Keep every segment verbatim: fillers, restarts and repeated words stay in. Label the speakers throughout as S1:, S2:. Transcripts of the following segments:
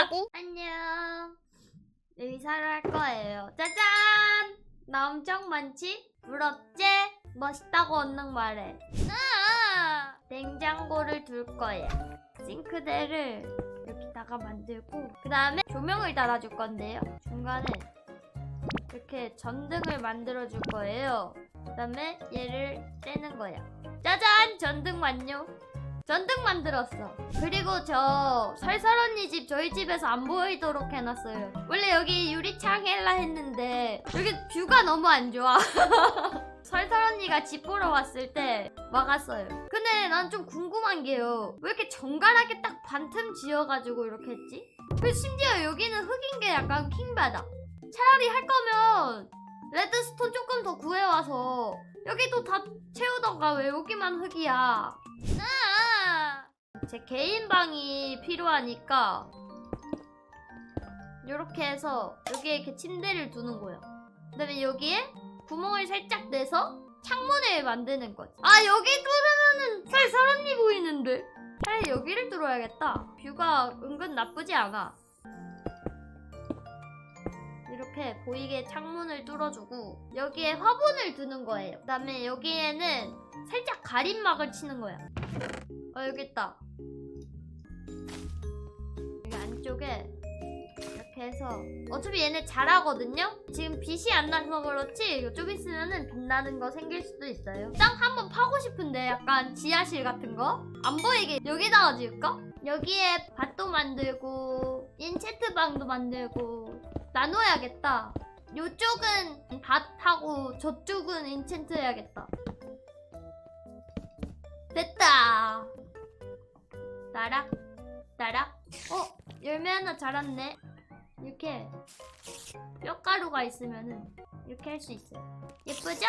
S1: 한다고?
S2: 안녕. 의사를 할 거예요. 짜잔! 나 엄청 많지? 부럽지? 멋있다고 언능 말해. 아! 냉장고를 둘 거야. 싱크대를 여기다가 만들고 그 다음에 조명을 달아줄 건데요. 중간에 이렇게 전등을 만들어 줄 거예요. 그 다음에 얘를 떼는 거야. 짜잔! 전등 완료. 전등 만들었어. 그리고 저 설설 언니 집 저희 집에서 안 보이도록 해놨어요. 원래 여기 유리창 헬라 했는데 여기 뷰가 너무 안 좋아. 설설 언니가 집 보러 왔을 때 막았어요. 근데 난 좀 궁금한 게요. 왜 이렇게 정갈하게 딱 반틈 지어가지고 이렇게 했지? 그 심지어 여기는 흙인 게 약간 킹받아. 차라리 할 거면 레드스톤 조금 더 구해와서 여기도 다 채우던가 왜 여기만 흙이야. 아! 제 개인 방이 필요하니까 이렇게 해서 여기에 이렇게 침대를 두는 거예요. 그 다음에 여기에 구멍을 살짝 내서 창문을 만드는 거지. 아, 여기 뚫으면은 설설 언니 보이는데? 차라리 여기를 뚫어야겠다. 뷰가 은근 나쁘지 않아. 이렇게 보이게 창문을 뚫어주고 여기에 화분을 두는 거예요. 그 다음에 여기에는 살짝 가림막을 치는 거야. 어, 여기 있다. 여기 안쪽에 이렇게 해서 어차피 얘네 잘하거든요? 지금 빛이 안 나서 그렇지 좀 있으면은 빛나는 거 생길 수도 있어요. 땅 한번 파고 싶은데 약간 지하실 같은 거? 안 보이게 여기다가 지을까? 여기에 밭도 만들고 인체트 방도 만들고 나눠야겠다. 요쪽은 밭하고 저쪽은 인챈트 해야겠다. 됐다. 나락 나락. 어? 열매 하나 자랐네. 이렇게 뼈가루가 있으면은 이렇게 할 수 있어요. 예쁘죠?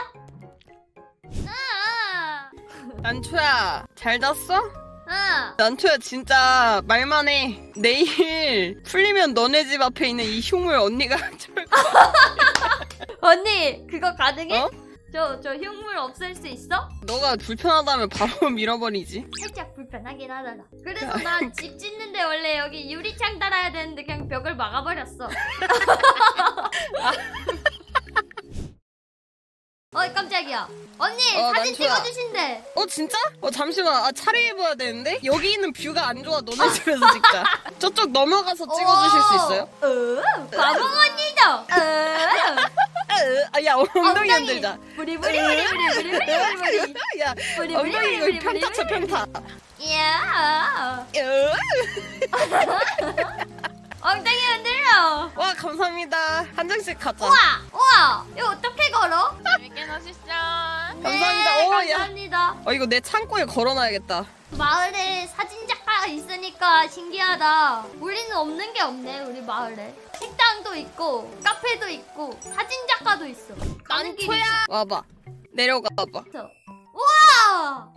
S2: 아!
S1: 난초야 잘 잤어?
S2: 아!
S1: 난초야 진짜 말만 해. 내일 풀리면 너네 집 앞에 있는 이 흉물 언니가 줄 거야.
S2: 언니 그거 가능해?
S1: 어?
S2: 저, 저 흉물 없앨 수 있어?
S1: 너가 불편하다면 바로 밀어버리지.
S2: 살짝 불편하긴 하잖아. 그래서 난 집 짓는데 원래 여기 유리창 달아야 되는데 그냥 벽을 막아버렸어. 어이 깜짝이야. 언니
S1: 어,
S2: 사진
S1: 난초야.
S2: 찍어주신대.
S1: 어 진짜? 어 잠시만. 아, 차려입어야 되는데 여기 있는 뷰가 안 좋아. 너네 집에서 찍자. 저쪽 넘어가서 찍어주실 수 있어요?
S2: 어, 과봉 언니죠. 어.
S1: 아, 야 엉덩이 흔들자.
S2: 부리부리부리부리부리부리부리.
S1: 야 엉덩이 이거 평타 쳐 평타.
S2: 야.
S1: 으.
S2: 엉덩이 흔들어.
S1: 와 감사합니다. 한 장씩 가자.
S2: 우와 우와 이거 어떻게 걸어?
S3: 재밌게 노시죠.
S1: 감사합니다.
S2: 네,
S1: 오, 야.
S2: 감사합니다.
S1: 어 이거 내 창고에 걸어놔야겠다.
S2: 마을에 사진작가가 있으니까 신기하다. 우리는 없는 게 없네 우리 마을에. 식당도 있고 카페도 있고 사진작가도 있어. 가는 길이
S1: 난초야. 와봐. 내려가 봐봐.
S2: 있어. 우와!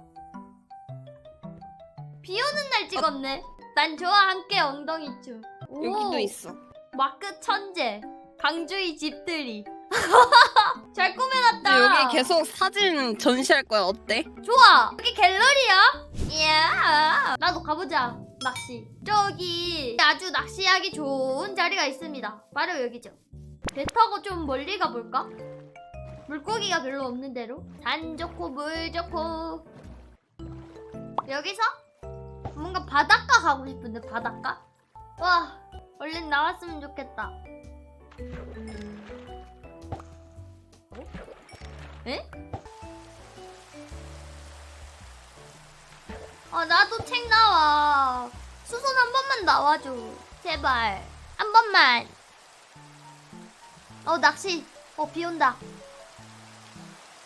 S2: 비 오는 날 찍었네. 난 저와 함께 엉덩이춤. 오,
S1: 여기도 있어.
S2: 마크 천재. 강주의 집들이. 잘 꾸며놨다.
S1: 근데 여기 계속 사진 전시할 거야. 어때?
S2: 좋아. 여기 갤러리야? 이야. 나도 가보자. 낚시. 저기 아주 낚시하기 좋은 자리가 있습니다. 바로 여기죠. 배 타고 좀 멀리 가볼까? 물고기가 별로 없는 데로. 산 좋고 물 좋고. 여기서 뭔가 바닷가 가고 싶은데 바닷가? 와 얼른 나왔으면 좋겠다. 어? 에? 아 나도 책 나와. 수선 한 번만 나와줘. 제발 한 번만. 어 낚시. 어 비 온다.